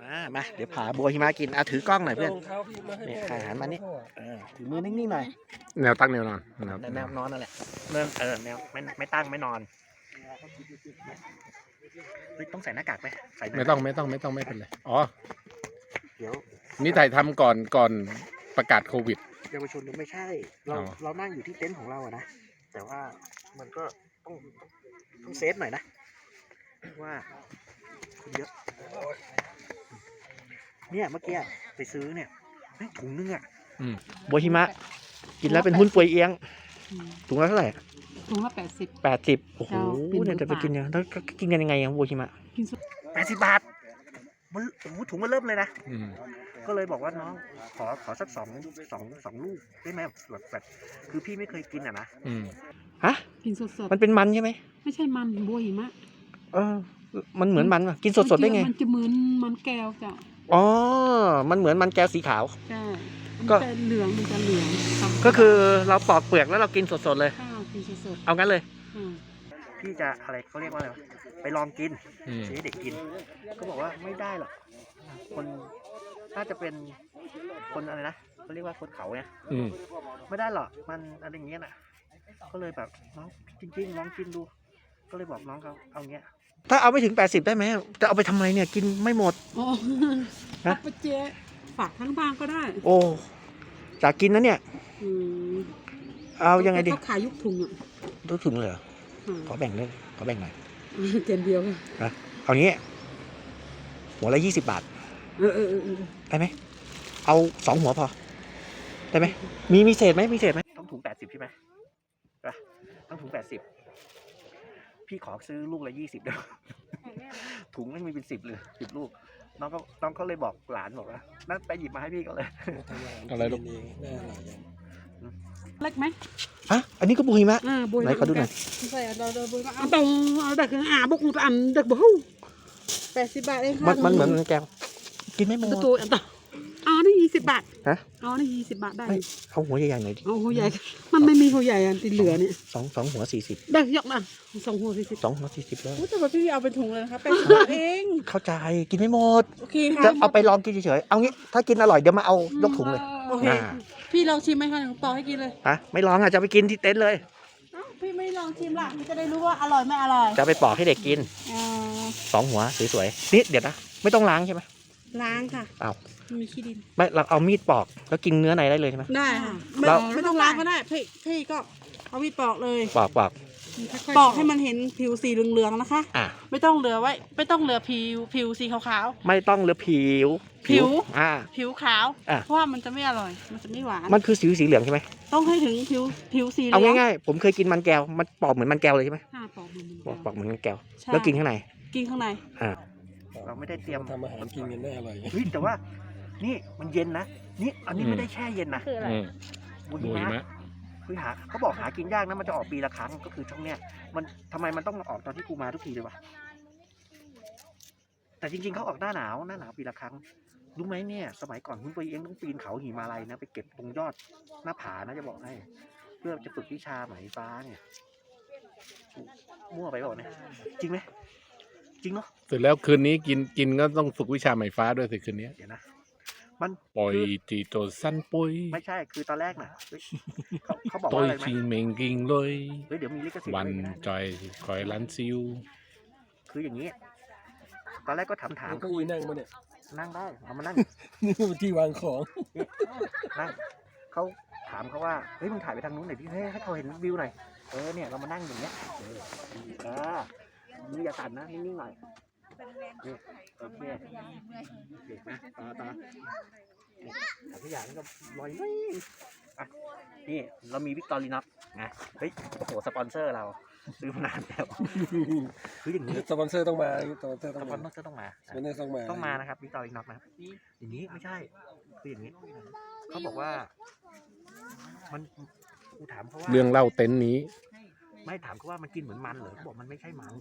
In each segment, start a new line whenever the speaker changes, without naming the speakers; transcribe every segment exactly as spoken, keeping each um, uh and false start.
มามาเดี๋ยวผาบัวหิมะกินอ่ะถือกล้องหน่อยเพื่อนนี่อาหารมานี่เออถือมือนิ่งๆหน่อย
แนวตั้งแนวนอน
แนวแนวนอนนั่นแหละเริ่มเออแนวไม่ไม่ตั้งไม่นอนเฮ้ยต้องใส่หน้ากากไหมใส่
ไม่ต้องไม่ต้องไม่ต้องไม่เป็นไรอ๋อ
เดี๋ยว
นี่ถ่ายทำก่อนก่อนประกาศโควิด
เยาวชนไม่ใช่เราเรานั่งอยู่ที่เต็นท์ของเราอะนะแต่ว่ามันก็ต้องต้องเซฟหน่อยนะว่าเยอะเนี่ยเมื่อกี้ไปซื้อเนี่ยถุงนึงอ่ะบัวหิมะกินแล้วเป็นหุ้นป่วยเอียงถุงละเท่าไหร่
ถุงละแปดสิบ
แปดสิบโอ้โหเนี่ยจะไปกินยังแล้วกินกันยังไงอ่ะบัวหิมะแปดสิบบาทมันโอ้โหถุงมันเริ่มเลยนะก็เลยบอกว่าน้องขอขอสักสองสองสองลูกได้ไหมแบบแบบคือพี่ไม่เคยกินอ่ะนะฮะ
กินสด
ๆมันเป็นมันใช่ไหม
ไม่ใช่มันบัวหิมะ
เออมันเหมือนมันป่ะกินสดๆได้ไง
มันจะเหมือนมันแก้วจ้ะ
อ๋อมันเหมือนมันแก้วสีขาว
ใช่ก็เหลืองมันจะเหลือง
ก็คือเราปอกเปลือกแล้วเรากินสดๆเลย
กินสด
เอางั้นเลยพี่จะอะไรเขาเรียกว่าอะไรไปลองกินซื้อเด็กกินก็บอกว่าไม่ได้หรอกคนน่าจะเป็นคนอะไรนะเขาเรียกว่าคนเขาเนี่ยไม่ได้หรอกมันอะไรอย่างเงี้ยน่ะก็เลยแบบน้องจริงๆลองกินดูก็เลยบอกน้องเขาเอาเงี้ยถ้าเอาไม่ถึงแปดสิบได้ไหมจะเอาไปทำไมเนี่ยกินไม่หมด
โอ้นะไปเจ๊ฝากทั้งบ้านก็ได้
โอ้จากกินนะเนี่ยเอายังไงดี
เขาขายยุกถุงอ่ะ
ยุกถุงเลยเหรอขอแบ่งเลยขอแบ่งหน่อย
เจนเดียว
นะเอางี้หัวละยี่สิบบาท
เออเออเออ
ได้ไหมเอาสองหัวพอได้ไหมมีมีเศษไหมมีเศษไหมต้องถุงแปดสิบใช่ไหมต้องถุงแปดสิบพี่ขอซื้อลูกละยี่สิบเดียวถุงไม่มีเป็นสิบเลยสิบลูกน้องก็น้องเขาเลยบอกหลานบอกว่านั่นไปหยิบมาให้พี่ก็เลย
อะไรลูก
เล็กไหม
ฮะอันนี้ก็บุยมะไหนขอดูหน่อย
ใส่เราเราบุยมะเอาตรงเอาแต่คืออ่าบุกอันเด็กบุ้แปดสิบบาทเอง
ค่ะมันเหมือนแก้วกินไม่หมด
ตัวอันต่ออ๋อนี่ยี่สิบบาทฮะอ๋อนี่ยี่สิบบาทได้
เอาหัวใหญ่ๆหน่อยดิ
เอาหัวใหญ่มันไม่มีหัวใหญ่อันติดเหลือเนี่ย
สองสองหัวสี่สิบ
ได้ยกมาสองหัวสี่สิบ
สองหัวสี่สิบแล้ว
แต่ว่าพี่เอาเป็นถุงเลยนะคะแปดสิบเอง
เข้าใจกินไม่หมดโอเคค่ะจะเอาไปลองกินเฉยๆเอางี้ถ้ากินอร่อยเดี๋ยวมาเอายกถุงเลย
โอเคพี่ลองชิมไหมคะหนูปอกให้กินเลย
ฮะไม่ลองอ่ะจะไปกินที่เต็นท์เลย
พี่ไม่ลองชิมล่ะมันจะได้รู้ว่าอร่อยไม่อร่อย
จะไปปอกให้เด็กกินสองหัวสวยๆนี่เดี๋ยวนะไม่ต้องล้างใช่ไหม
ล้างค่ะ
อ้าว
มีขี้ดิน
ไม่เราเอามีดปอกแล้วกินเนื้อในได้เลยใช่ไหม
ได้ค่ะเราไม่ต้องล้างก็ได้พี่พี่ก็เอามีดปอกเลย
ปอกปอก
ปอกให้มันเห็นผิวสีเหลืองๆนะคะอ่ะไม่ต้องเหลือไว้ไม่ต้องเหลือผิวผิวสีขาว
ๆไม่ต้องเหลือผิว
ผิว
อ่า
ผิวขาวเพราะว่ามันจะไม่อร่อยมันจะไม่หวาน
มันคือสีสีเหลืองใช่ไหม
ต้องให้ถึงผิวผิวสีเหลื
องเอาง่ายๆผมเคยกินมันแก้วมันปอกเหมือนมันแก้วเลยใช่ไหม
ปอกเหมือน
ปอกเหมือนมันแก้วแล้วกินข้างใน
กินข้างใน
อ่าเราไม่ได้เตรียม
ทำอาหารกินกันได้อร่อย
เฮ้ยแต่ว่านี่มันเย็นนะนี่อันนี้ไม่ได้แช่เย็นนะบุญนะคือหาเขาบอกหากินยากนะมันจะออกปีละครั้งก็คือช่วงเนี้ยมันทำไมมันต้องออกตอนที่กูมาทุกทีเลยวะแต่จริงๆเขาออกหน้าหนาวหน้าหนาวปีละครั้งรู้ไหมเนี่ยสมัยก่อนคุณไปเองต้องปีนเขาหิมาลัยนะไปเก็บตรงยอดหน้าผานะจะบอกให้เพื่อจะฝึกวิชาไหมฟ้าเนี่ยมั่วไปบอกเนี่ยจริงไหมจริงเนาะ
เสร็จแล้วคืนนี้กินกินก็ต้องฝึกวิชาไหมฟ้าด้วยสิคืนนี้
เดี๋ยวนะมัน
ปล่อยตีโตสั้นปุย
ไม่ใช่คือตอนแรกน่ะเขาเขาบอก
ว่า
อะไรไหม
ตัวเมงกิงเลย
เฮ้ยเดี๋ยวมีลิขสิทธิ์
วันจอยคอยลันซิว
คืออย่างนี้ตอนแรกก็ถามถาม
ก็อุ้ยนั่งมาเนี่ย
นั่งได้เอามานั่ง
นี่ที่วางของ
นั่งเขาถามเขาว่าเฮ้ยมึงถ่ายไปทางนู้นหน่อยดิเฮ้ยให้เขาเห็นวิวหน่อยเออเนี่ยเรามานั่งอย่างเงี้ยเออเออมืออย่าสั่นนะนิ่งๆหน่อยนี่โอเคเด็กนะต่อต่อแต่ทุกอย่างก็ลอยอ่ะนี่เรามีวิกตอรีน็อกนะเฮ้ยโอ้โหสปอนเซอร์เราซื้อมานานแล้วคืออย่างนี้
สปอนเซอร์ต้องมาสปอนเซอร์
ต้องมาสปอนเซอร์ต้องมา
สปอนเซอร์ต้องมา
ต้องมานะครับวิกตอรีน็อกนะครับอย่างนี้ไม่ใช่คืออย่างนี้เขาบอกว่ามันกูถามเขาว่า
เรื่องเล่าเต็นท์นี้
ไม่ถามเขาว่ามันกินเหมือนมันเหรอเขาบอกมันไม่ใช่มัน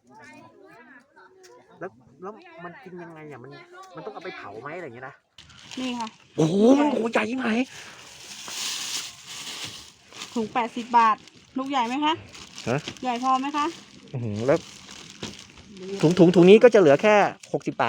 แล้วแล้วมันกินยังไงอ่ะมันมันต้องเอาไปเผาไหมอะไรอย่างเงี้ยนะ
นี่ค่ะ
โอ้โหมันโหใหญ่ยังไง
ถุงแปดสิบบาทลูกใหญ่ไหมคะ
ฮะ
ใหญ่พอไหมคะ
อือแล้วถุงถุงถุงนี้ก็จะเหลือแค่หกสิบบาท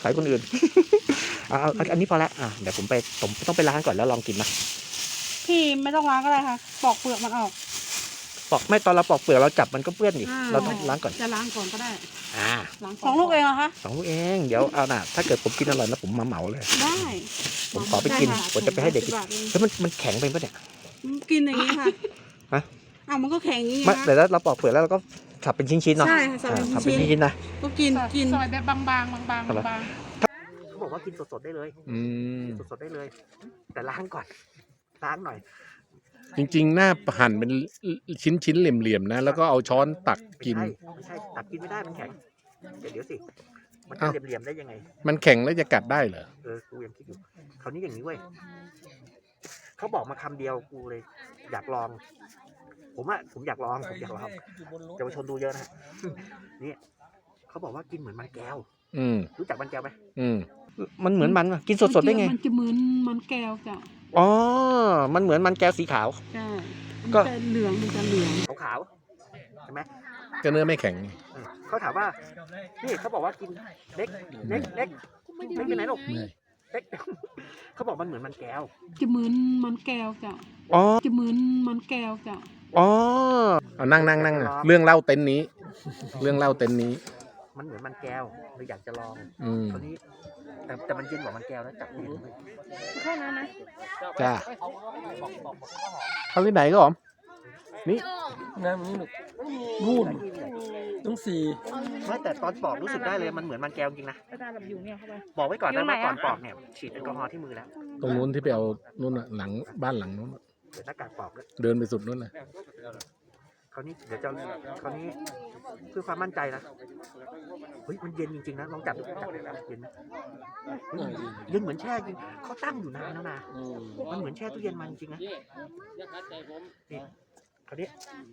สายคนอื่น เอาเอาอันนี้พอละอ่ะเดี๋ยวผมไปผมต้องไปล้างก่อนแล้วลองกินนะ
พี่ไม่ต้องล้างก็ได้ค่ะปอกเปลือกมันออก
ปอกไม่ตอนเราปอกเปลือกเราจับมันก็เปื้อนนี่
อ่า
เราต้องล้างก่อน
จะล้างก่อนก็ได้
อ่า
ล้างสองลูกเองเหรอคะ
สองลูกเองเดี๋ยวเอาน่ะถ้าเกิดผมกินอร่อยแล้วผมมาเหมาเลย
ได้
ผมขอไปกิน
ด้ค่
ผมจะไปให้เด็กกิน
สิบบาทเอง
แล้วมันมันแข็งไปปะเนี่ย
กินอย่างนี้ค่ะ
ฮะ
อ้าวมันก็แข็งอย่างนี้
ไม่
นะ
แต่แล้วเราปอกเปลือกแล้วเราก็สับเป็นชิ้นๆเนาะ
ใช่ค่ะสับเป็น
อ่าสับเป็น
ชิ้น
ชิ้นๆนะ
ก็กินกิน
ซอยแบบบางๆบางๆบาง
อะไร
ๆบาง
เขาบอกว่ากินสดๆได้เลย
อืม
สดๆได้เลย แต่ล้างก่อนล้างหน่อย
จริงๆ หน้าหั่นเป็นชิ้นๆ เหลี่ยมๆ นะ แล้วก็เอาช้อนตัก
ไม่
กิน
ใช่ไม่ใช่ตักกินไม่ได้มันแข็งเดี๋ยวเดี๋ยวสิมันจะ
อ้าว
เหลี่ยมๆได้ยังไง
มันแข็งแล้วจะกัดได้เหรอ
เออกูยังคิดอยู่คราวนี้อย่างนี้เว้ยเขาบอกมาคำเดียวกูเลย อยากลอง ผมอะผมอยากลองผมอยากลองเยาวชนดูเยอะนะ นี่เขาบอกว่ากินเหมือนมันแก้ว
อืม
รู้จักมันแก้วไหม
อืม
มันเหมือนมันกินสดๆได้ไง
มันจะเหมือนมันแก้วจ้ะ
อ๋อมันเหมือนมันแก้วสีขาว
ใช่
ก็
มันจะเหลืองมันจะเหลือง
ขาวๆใช่ไหม
ก็เนื้อไม่แข็ง
เออเขาถามว่านี่เขาบอกว่ากินเล็กเล็กเล็กไม่เป็นไรหรอก
ไม่
เล็ก เขาบอกมันเหมือนมันแก้ว
จะเหมือนมันแก้วจ้ะ
อ๋อ
จะเหมือนมันแก้วจ้ะ
อ๋อ
เอานั่งนั่งนั่งเรื่องเล่าเต็นท์นี้ เรื่องเล่าเต็นท์นี้
มันเหมือนมันแก้วเลยอยากจะลอง
อืม
คราวนี้แต่แต่มันเย็นกว่ามันแก้วนะจับเย็นเลย
แค่นั้นนะ
จ้าเขาที่ไหนก็หอม นี่
น้ำนี่นู่นต้องสี่
ไม่แต่ตอนปอกรู้สึกได้เลยมันเหมือนมันแก้วจริงนะ
ๆกระดาษแบบอยู่เนี่ยเข้าไป
บอกไว้ก่อน
อยู่
นะ
ไหน
ว่า
อะ
ก่อนปอกเนี่ยฉีดแอลกอฮอล์ที่มือแล้ว
ตรงนู้นที่ไปเอานู่นน่ะหลังบ้านหลังนู้นน่ะ
เดี๋ยวหน้ากากปอกด้วย
เดินไปสุดนู้นน่ะ
คราวนี้เดี๋ยวจะคราวนี้เพื่อความมั่นใจนะเฮ้ยมันเย็นจริงๆนะลองจับดูจับเย็นไหมเฮ้ยเย็นเหมือนแช่จริงเขาตั้งอยู่นานแล้วนะมันเหมือนแช่ตู้เย็นมาจริงๆนะนี่คราวนี้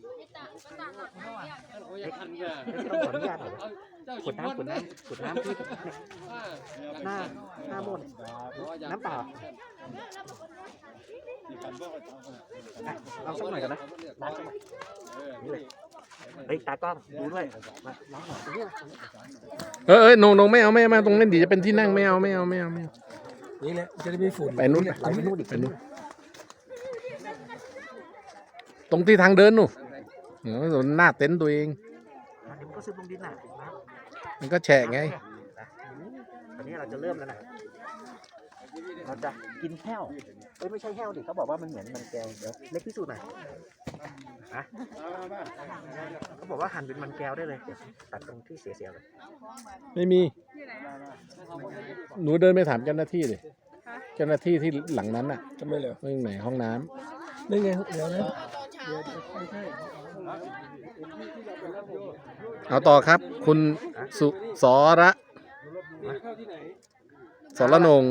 เล็กต้องขออนุญาตหน่อยขวดน้ำขวดน้ำขวดน้ำที่เนี่ยหน้าหน้ามนน้ำเปล่าอ่ะเอาสักหน่อยกันนะล้างสักหน่อยนี่เลยเฮ้ยตากล้องดูด้วยมาล้างหน่อยดูด้วย
เออเออโนโนไม่เอาไม่เอาไม่เอาตรงนั้นดีจะเป็นที่นั่งไม่เอาไม่เอาไม่เอาไม่เอา
นี่แหละจะได้ไม่ฝุ่น
ไปนู้น
ไปนู่นอีก
ไปนู้นตรงที่ทางเดินนู่นเออหน้าเต็นท์ตัวเอง
อ่ะเดี๋ยวมันก็ซึมลงดินน่ะนะ
มันก็แฉะไง
ตอนนี้เราจะเริ่มแล้วนะเราจะกินแห้วเอ้ยไม่ใช่แห้วดิเขาบอกว่ามันเหมือนมันแก้วเดี๋ยวเล็กพิสูจน์หน่อยนะเขาบอกว่าหั่นเป็นมันแก้วได้เลยเดี๋ยวตัดตรงที่เสียๆเลย
ไม่มี หนูเดินไปถามเจ้าหน้าที่เลยเจ้าหน้าที่ที่หลังนั้นน่ะ
ทำไมเหรอ
เรื่องไหนห้องน้ำ
นี่ไงเดี๋ยวนะ
เอาต่อครับ คุณสุสระสรนงค์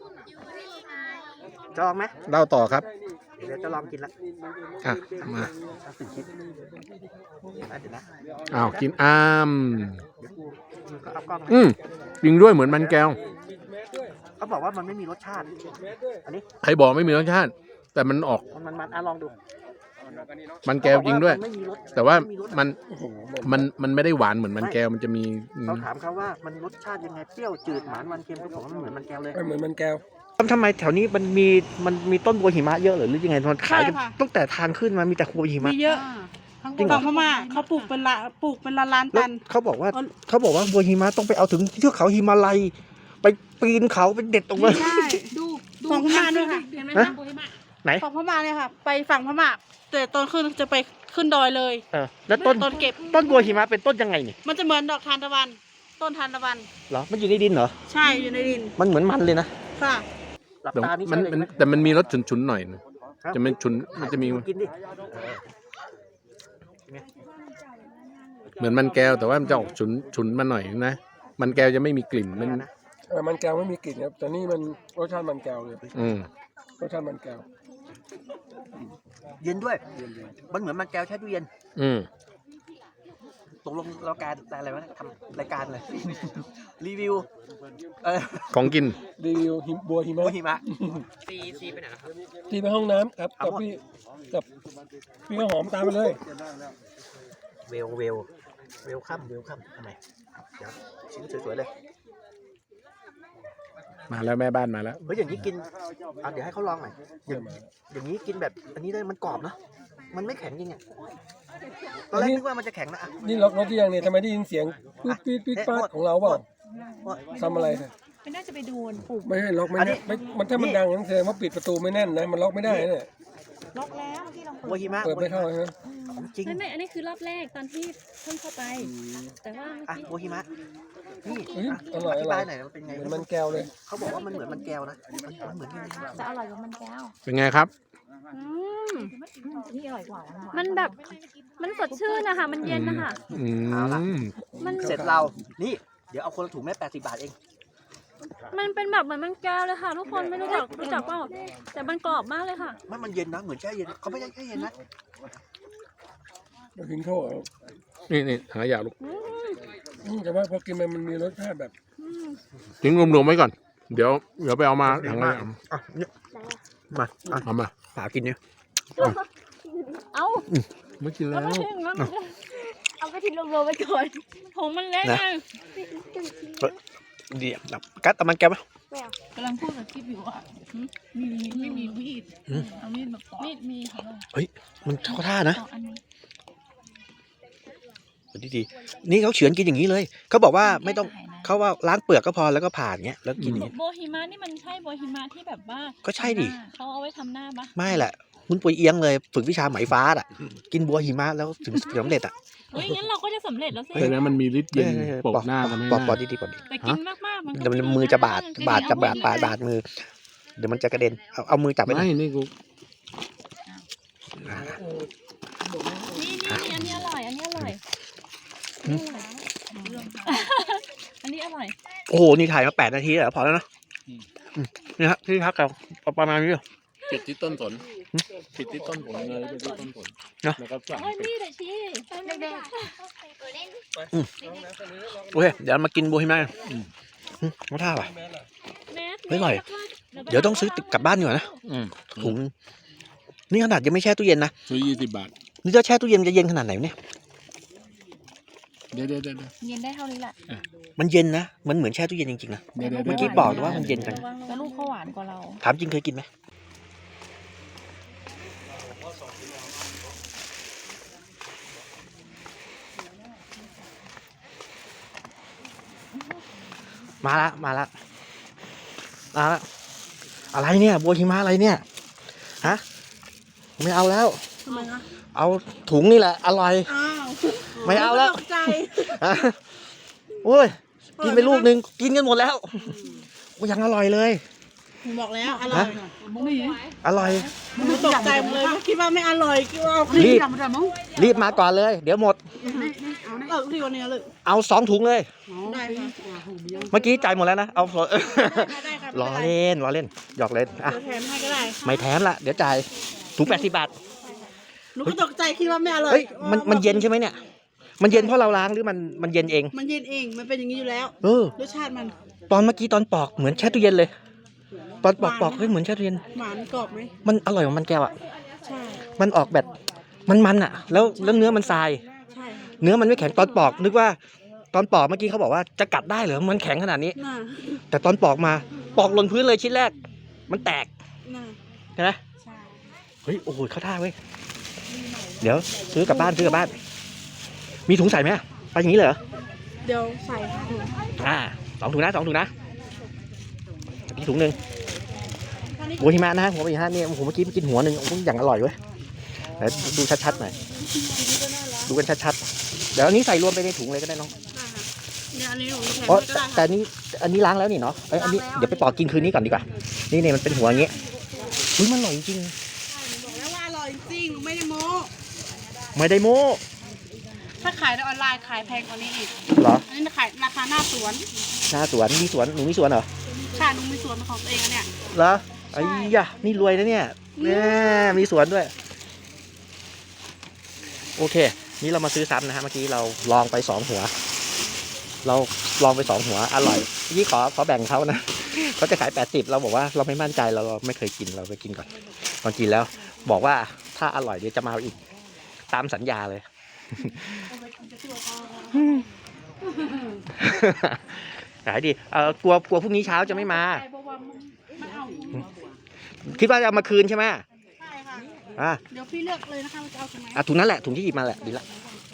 จะลองไหม
เล่าต่อครับ
เดี๋ยวจะลองกินละ
อ่ะมา
เอาสี่ชิ้นอ่ะเดี๋ยวนะ
อ้าวกินอ้าม
เดี๋ยวกูมึงก็เอากล้องมา
อืมจริงด้วยเหมือนมันแก้ว
เขาบอกว่ามันไม่มีรสชาติอันนี้
ใครบอกไม่มีรสชาติ แต่มันออก
มันมันมันอ่ะลองดู
มันแก้วจริงด้วย
มันไม่มีรส
แต่ว่า
ไรส
มัน
โอ้โห
มันมันไม่ได้หวานเหมือนมันแก้วมันจะมีอืม
เราถามเขาว่ามันรสชาติยังไงเปรี้ยวจืดหวานมันเค็มเขาบอกว่ามันเหมือนมันแก้วเลย
ไม่เหมือนมันแก้ว
ทำไมแถวนี้มันมีมันมีต้นบัวหิมะเยอะหรือหรือยังไงมันขายกัน
ใช่ค่ะ
ตั้งแต่ทางขึ้นมามีแต่บัวหิมะ
มีเยอะ
จริงเหรอ
ฝั่งพม่าเขาปลูกเป็นละปลูกเป็นล้านล้านๆ
แล้
ตั
วน เขาบอกว่า
อ๋อ
เขาบอกว่าบัวหิมะต้องไปเอาถึงเทือกเขาหิมาลัยไปปีนเขาไปเด็ดตรงนั้น
ใช่ดูฝั่งพม่าด้วยค่ะ
เห็นไหม
ฮะ
คะโบฮิมะ
ไหน
ฝั่งพม่าเนี่ยค่ะ ไปฝั่งพม่าแต่ตอนขึ้นจะไปขึ้นดอยเลย
เออแล้วต้น
ต้นเก็บ
ต้นบัวหิมะเป็นต้นยังไงนี่
มันจะเหมือนดอกทานตะวัน ต้นทานตะวัน
เหรอมันอยู่ในดินเหรอ
ใช่อยู่ในดิน
มันเหมือนมันเลยนะ
ค่ะ
หลับ
แต่
ตานี่
มัน
ใช่เลย
มัน
ไหม
แต่มันมีรสฉุนๆหน่อยนึง
ครับ
จะมันฉุนมันจะมี
กินดิ
เหมือนมันแก้วแต่ว่ามันจะออกฉุนฉุนมาหน่อยนะมันแก้วจะไม่มีกลิ่นมัน
เนี่ยนะ
เออมันแก้วไม่มีกลิ่นครับแต่นี่มันรสชาติมันแก้วเลย
อืม
รสชาติมันแก้ว
เย็นด้วย มันเหมือนมันแก้วแช่ตู้เย็น
อืม
ตกลงเราการอะไรวะทำรายการเลย รีวิวเออ
ของกิน
รีวิวหิมบัวหิ
บั
มะ
วหิมะ
ที่ไปห้องน้ำครับ
เอา
กับ
หมด
พี่กับพี่ข้าวหอมตามไปเลย
เวลเวลเวลคัมเวลคัมทำไมเดี๋ยวชิ้นสวยๆเลย
มาแล้วแม่บ้านมาแล้ว
เฮ้ยอย่างนี้กินอ่ะเดี๋ยวให้เขาลองหน่อยอย่างอย่างนี้กินแบบอันนี้ได้มันกรอบเนาะมันไม่แข็งจริงอ่ะตอนแรกนึกว่ามันจะแข็งนะอ่ะ
นี่ล็อกรถที่ยังเนี่ยทำไมได้ยินเสียงปี๊ดปี๊ดปี๊ดป๊าดของเราเปล่าทำอะไรเนี่ย
ไม่น่าจะไปโดนปุ่ม
ไม่ให้ล็อกไม่ได้ไม่มันถ้ามันดังนั่นแสดงว่าปิดประตูไม่แน่นนะมันล็อกไม่ได้เนี่ย
ล็อกแล้วที่เรา
โวฮิมะ
เปิดไม่เข้าใช่ไหม
ของจริง
ไม่ไม่อันนี้คือรอบแรกตอนที่เพิ่งเข้าไป แต่ว่า
อ่ะ
เมื่อ
โว
กี้
ฮิมะนี่
เฮ้ย
อ่ะ
อร่อย
อ
อ
ธิ
ร่
บา
อย ย
หน่อยมันเป็นไง
เหมือนมันแก้วเลย
เขาบอกว่ามันเหมือนมันแก้วนะมันเหมือนยังไงนะ
จะอร่อยกว่ามันแก้ว
เป็นไงครับ
อืม
นี่อร่อยกว่า
มันแบบ มันสดชื่นนะคะ มันเย็นนะคะ
อืม
มัน
เสร็จเรานี่เดี๋ยวเอาคนละถุงแม่แปดสิบบาทเอง
มันเป็นแบบเหมือนมันแก้วเลยค่ะ ทุกคนไม่รู้จักรู้จักเปล่าแต่มันกรอบมากเลยค่ะ
มันมันเย็นนะเหมือนแช่เย็นเขาไม่ใช่แช่เย็นนะ
มาถึงโทษ
นี่นี่หายาลูก
อืมแต่ว่าพอกินมันมันมีรสชาติแบบ
ทิ้งรวมๆไว้ก่อน เดี๋ยวเดี๋ยวไปเอามาถังเลย
อ่ะเนี่ยมาอ่ะ
เอามา
สากินเนี่ย
เอา
ไม่กินแล้
เอา
ว
ไปทิ้งมันเอาไปทิ้งรวมๆไว้ก่อนถุงมันเล็กไง
เดี๋ยวแบบกัดเอามันแก้วไหม
กำลังพูดกับกิ๊บอยู่อ่ะมีไม่มีมีด
อืม
เอามีดมาปอกมีดมีค่ะ
มันเข้าท่านะ
ปอกอันนี้
ดีดีๆนี่เขาเฉือนกินอย่างนี้เลยเขาบอกว่าไม่ต้องเขาว่าล้างเปลือกก็พอแล้วก็ผ่านเงี้ยแล้วกินอย่างเงี้ย
โบฮิมะนี่มันใช่โบฮิมะที่แบบว่า
ก็ใช่ดิ
เขาเอาไว้ทำหน้าปะ
ไม่แหละคุณปุยเอียงเลยฝึกวิชาไหมฟ้าอ่ะกินบัวหิมะแล้วถึงสำเร็จอ่ะ
เฮ้ยงั้นเราก็จะสำเร็จแล้วสิ
แต่นั้นมันมีฤทธิ์เย็นปกหน้าทำให้ห
ปอกปอ
น้า
ดดีๆปอดดี
แต่กินมากๆมันก็
เดี๋ยวมันมือจะบาดบาดจะบาดบาดบาดมือ เดี๋ยวมันจะกระเด็นเอาเอามือจับไปหน่
ไม่
อย
นี่กู
นี่นี่อันนี้อร่อย อันนี้อร่อย อันนี้อร่อย
โอ้โหนี่ถ่ายมาแปดนาทีแล้วพอแล้วนะอืมนี่ฮะที่พักเราประมาณนี้
ปิดที่ต้นสนปิดที่ต้นผลเลยปิดที่ต้นผล
เนอะ
แล้วก็สั่ง
โอ้ย
ปิด
นี่แต่ชี้เด็ก
โอเคเดี๋ยวมากินบัวหิมะอืมอืมเอาท่าป่ะ
ๆแมส
เฮ้ยอร่อย เดี๋ยวต้องซื้อกลับบ้านดีกว่านะ
อืม
ถุงนี่ขนาดยังไม่แช่ตู้เย็นนะ
ซื้อยี่สิบบาท
นี่ถ้าแช่ตู้เย็นมันจะเย็นขนาดไหนวะเนี่ย
เดี๋ยวเดี๋ยวเดี๋ยว
เย็นได้เท่านี้แหละ
มันเย็นนะมันเหมือนแช่ตู้เย็นจริงๆนะ
เดี๋ยวเดี๋ยว
เมื่อกี้บอกว่ามันเย็นจัง
แล้วลูกเขาหวานกว่าเรา
ถามจริงเคยกินไหมมาละมาละมาละอะไรเนี่ยบัวหิมะอะไรเนี่ยฮะไม่เอาแล้ว
ทำไมคะ
เอาถุงนี่แหละอร่อย
อ้าว
ไม่เอาแล้ว
ตกใจ
ฮะโอ้ยกินไปลูกหนึ่งกินกันหมดแล้วโอ้ยังอร่อยเลย
ผมบอกแล้วอร่อย
อร่อย
ผมตกใจหมดเลยคิดว่าไม่อร่อยคิดว่าเอา
รีบ
ทำทำมั้ง
รีบมาก่อนเลย เดี๋ยวหมด
เออที่วันนี้เลย
เอาสองถุงเลย
ได้ค่ะ
เมื่อกี้จ่ายหมดแล้วนะ เอา
ได้ครับ
ล้อเล่นล้อเล่นหยอกเล่นอ่ะ
เดี๋ยวแถมให้ก็ได้
ไม่แถมละเดี๋ยวจ่ายถุงแปดสิบบาท
หนูก็ตกใจคิดว่าไม่อร่อย
เฮ้ยมันมันเย็นใช่ไหมเนี่ย มันเย็นเพราะเราล้างหรือมันมันเย็นเอง
มันเย็นเองมันเป็นอย่างนี้อยู่แล้ว
เออ
รสชาติมัน
ตอนเมื่อกี้ตอนปอกเหมือนแช่ตู้เย็นเลย ตอนปอกปอกเฮ้ยเหมือนแช่ตู้เย็น
หวานกรอบไหม
มันอร่อยของมันแก้วอ่ะ
ใช่
มันออกแบบมันมันอ่ะ แล้วแล้วเนื้อมันทราย
ใช่
เนื้อมันไม่แข็งตอนปอกนึกว่าตอนปอกเมื่อกี้เขาบอกว่าจะกัดได้เหรอมันแข็งขนาดนี้
น่า
แต่ตอนปอกมาปอกหล่นพื้นเลยชิ้นแรก มันแตก
น่า
ใช่ไหม
ใช่
เฮ้ยโอ้โหเข้าท่าเว้ยเดี๋ยวซื้อกลับบ้านซื้อกลับบ้าน มีถุงใส่ไหมไปอย่างนี้เลยเหรอ
เดี๋ยวใส่ค่ะ
อ่าสองถุงนะสองถุงนะอีกถุงหนึ่งบัวหิมะนะหัวบัวหิมะเนี่ยผมเมื่อกี้กินหัวหนึ่งโอ้โหอย่างอร่อยเว้ยเดี๋ยวดูชัดๆหน่อยดูกันชัดๆเดี๋ยวอันนี้ใส่รวมไปในถุงเลยก็ได้น้อง
เนี่ยอันนี้หนูแถม
เพราะ
ให้ก็ได้
แต่
ค่ะ
อันนี้อันนี้ล้างแล้วนี่เนาะเอ้ยอันนี้เดี๋ยวไปปอกกินคืนนี้ก่อนดีกว่านี่เนี่ยมันเป็นหัวอย่างงี้อุ้ยมันอร่อยจริง
บอกแล้วว่าอร่อยจริงไม่ได้โม้
ไม่ได้โม้
ถ้าขายในออนไลน์ขายแพงกว่านี้อีก
เหรอ
อันนี้ขายราคาหน้าสวน
หน้าสวนมีสวนหนูมีสวนเหรอ
ใช่หนูมีสวนเป็นของตัวเองอะเนี่ย
เหรอไอ้ยะนี่รวยนะเนี่ยแม่มีสวนด้วยโอเค นี่เรามาซื้อซ้ำนะฮะเมื่อกี้เราลองไปสองหัว เราลองไปสองหัวอร่อยยี่ขอขอแบ่งเขานะเขาจะขายแปดสิบเราบอกว่าเราไม่มั่นใจเราไม่เคยกินเราไปกินก่อนตอนกินแล้ว บอกว่าถ้าอร่อยเดี๋ยวจะมาเอาอีกตามสัญญาเลย ขายดีเออกลัวกลัวพรุ่งนี้เช้าจะไม่มา
เพราะ
คิดว่าจะเอามาคืนใช่ไหม
ใช่ค่ะ
อ่ะ
เดี๋ยวพี่เลือกเลยนะคะว่าจะเอาถุงไหน
อ่ะถุงนั้นแหละถุงที่หยิบมาแหละดีละ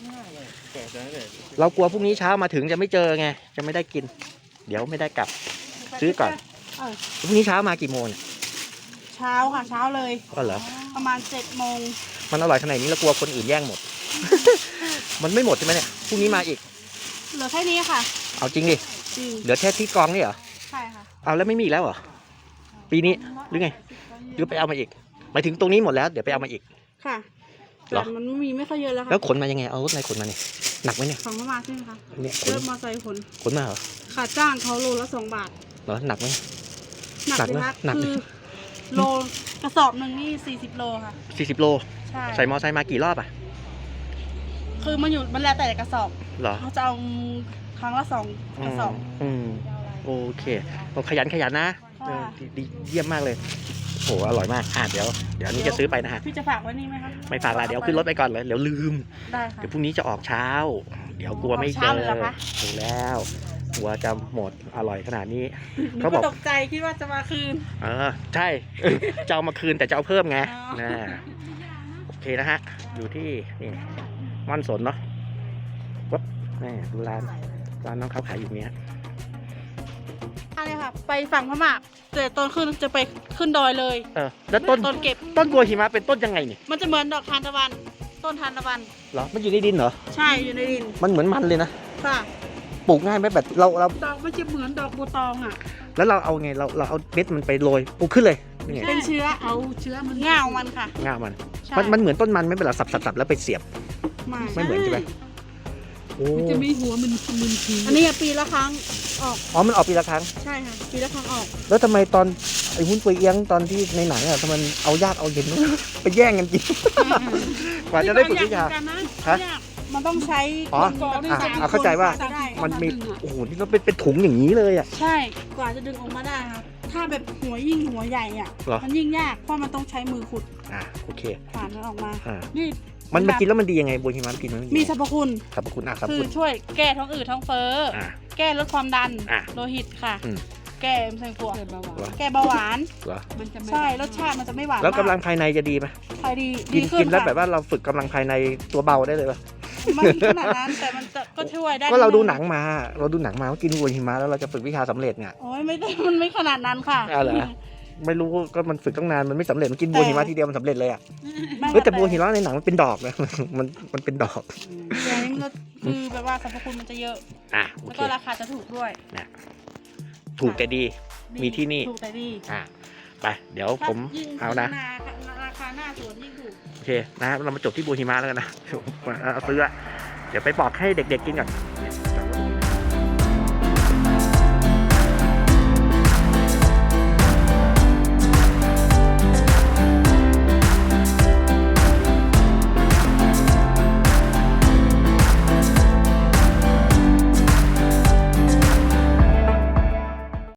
เรากลัวพรุ่งนี้เช้ามาถึงจะไม่เจอไงจะไม่ได้กิน เดี๋ยวไม่ได้กลับ ซื้อก่อน
เออ
พรุ่งนี้เช้ามากี่โมงเนี่ย
เช้าค่ะเช้าเลย
ก็เหรอ
ประมาณเจ็ดโมง
มันอร่อยขนาดนี้เรากลัวคนอื่นแย่งหมด มันไม่หมดใช่ไหมเนี่ยพรุ่งนี้มาอีก
เหลือแค่นี้ค่ะ
เอาจริงดิ
จริง
เหลือแค่ที่กองนี่เหรอ
ใช่ค่ะ
เอาแล้วไม่มีอีกแล้วเหรอปีนี้หรือไงหรือไปเอามาอีกหมายถึงตรงนี้หมดแล้วเดี๋ยวไปเอามาอีก
ค่ะ
เหร
แต่
อ
มันไม่มีไม่ค่อยเยอะแล้ว
แล้ว
ค่ะ
ขนมายังไงเอารถอะไรขนมาเนี่ยหนักไหมเนี่ย
ของเข้ามาใช่ไหมคะ
เนี่ยขน
เริ่มมอไซค์ขน
ขนมาเหรอ
ขาจ้างเขาโลละสองบาท
เหรอหนักไหม
หนัก
หนัก
เลย
ไหม
ครับ
หนัก
คือโลกระสอบหนึ่งนี่สี่สิบโลค่ะ
สี่สิบโล
ใช่
ใส่มอไซค์มากี่รอบอ่ะ
คือมันอยู่มันแล้วแต่กระสอบ
เหรอ
เขาจะเอาครั้งละสองกระสอบ
อืมโอเคเราขยันขยันนะเออดีดีเยี่ยมมากเลยโหอร่อยมากอ่ะเดี๋ยวเดี๋ยวอันนี้จะซื้อไปนะฮะ
พี่จะฝากไว้นี่ไหมคะ
ไม่ฝากละเดี๋ยวขึ้นรถไปก่อนเลยเดี๋ยวลืม
ได้ค่ะ
เดี๋ยวพรุ่งนี้จะออกเช้า เดี๋ยวกลัวไม่
ออก
เจ
เช้า
อ
เลยเหรอคะ
ถูกแล้วกลัวจะหมดอร่อยขนาดนี้
หนู
เขาบ
ก็
อก
ตกใจคิดว่าจะมาคืน
เออใช่ จะเอามาคืนแต่จะเอาเพิ่มไง
อ๋อ
นะโอเคนะฮะ อยู่ที่นี่ม่อนสนเนาะวับนี่ดูร้านร้านน้องเขาขายอยู่เนี้ย
อะไรค่ะ ไปฝั่งพม่าแต่ตอนขึ้นจะไปขึ้นดอยเลย
เออแล้วต้น
ต้นเก็บ
ต้นบัวหิมะเป็นต้นยังไงนี่
มันจะเหมือนดอกทานตะวัน ต้นทานตะวัน
เหรอมันอยู่ในดินเหรอ
ใช่อยู่ในดิน
มันเหมือนมันเลยนะ
ค่ะ
ปลูกง่ายไหมแบบเราเรา
ดอกมันจะเหมือนดอกบัวตองอ่ะ
แล้วเราเอาไงเราเราเอาเม็ดมันไปโรยปลูกขึ้นเลยนี่ไง
เป็นเชื้อ
เอาเชื้อมัน
ง่าวมันค่ะ
ง่ามัน
ใช่
มันมันเหมือนต้นมันไม่เป็นหรอสับสับสับแล้วไปเสียบ
ไม่
ไม่เหมือนใช่ไหมโอ้
มันจะมีหัวมันมึนที
อันนี้ปีละครั้งออก
อ๋อมันออกปีละครั้ง
ใช่ค่ะ ปีละครั้งออก
แล้วทำไมตอนไอ้หุ้นปุยเอียงตอนที่ในหนังอ่ะทำไมเอาญาติเอาเย็น ไปแย่งกันกิน กว่าจะได้ฝึกวิชา
เหมือนกันนะ
ฮะ
ยากมันต้องใช้
อ๋อ
คน
อ่ะ
สม
อ่ะเข้าใจว่า
คนได้
มันมีโอ้โหนี่เราเป็นเป็นถุงอย่างนี้เลยอ่ะ
ใช่ กว่าจะดึงออกมาได้ครับ ถ้าแบบหัวยิ่งหัวใหญ่อ่ะ
เหรอ
มันยิ่งยาก เพราะมันต้องใช้มือขุด
อ่ะโอเค
ผ่านมันออกมา
อ่า
นี่
มันมันกินแล้วมันดียังไงบัวหิมะมันกินแล้วมันดี
มี
ยัง
ส
ไง
รรพคุณ
สรรพคุณอ่ะสรรพ
คือ
คุณ
ช่วยแก้ท้องอืดท้องเฟ้ออ
อ่ะ
แก้ลดความดัน
อ่ะ
โลหิตค่ะ
อืม
แก้มะเร็งปวด
เกิดเบาหวาน
เหรอ
แก้เบาหวาน
เหรอ
มันจะไม่
ใช่ รสชาติมันจะไม่หวาน
แล้วกำลัง
มาก
ภายในจะดีไหม
ใช่ดี
กิ
ดี
น
ขึ้
กิ
น
นแล้ว
ค่ะ
แบบว่าเราฝึกกำลังภายในตัวเบาได้เลยป่ะ
ไม่ขนาดนั้นแต่มันจะก็ช่วยได้
ก็เราดู
ด
หนังมา เราดูหนังมาว่ากินบัวหิมะแล้วเราจะฝึกวิชาสำเร็จไง
โอ้ยไม่ได้ มันไม่ขนาดนั้นค่ะ
อ้าวเหรอ ไม่รู้ก็มันฝึกตั้งนานมันไม่สำเร็จมันกินบัวหิมะทีเดียวมันสำเร็จเลยอ่ะ
ไม่
เฮ้ยแต่บัวหิมะในหนังมันเป็นดอกนะ มันมันเป็นดอก
อย่างนี้มันก็คือแบบว่าสรรพคุณมันจะเยอะ
อ่ะโอ
แล้ว
เค
ก็ราคาจะถูกด้วย
ถูกแต่ดี มีที่นี่
ถูกแต่ดี
อ่ะไปเดี๋ยวผม
ยิ่ง
เอานะ
หราคาหน้าสวนยิ่งถูก
โอเคนะเรามาจบที่บัวหิมะแล้วกันนะ เอาซื้ออะเดี๋ยวไปปอกให้เด็กๆกินก่อน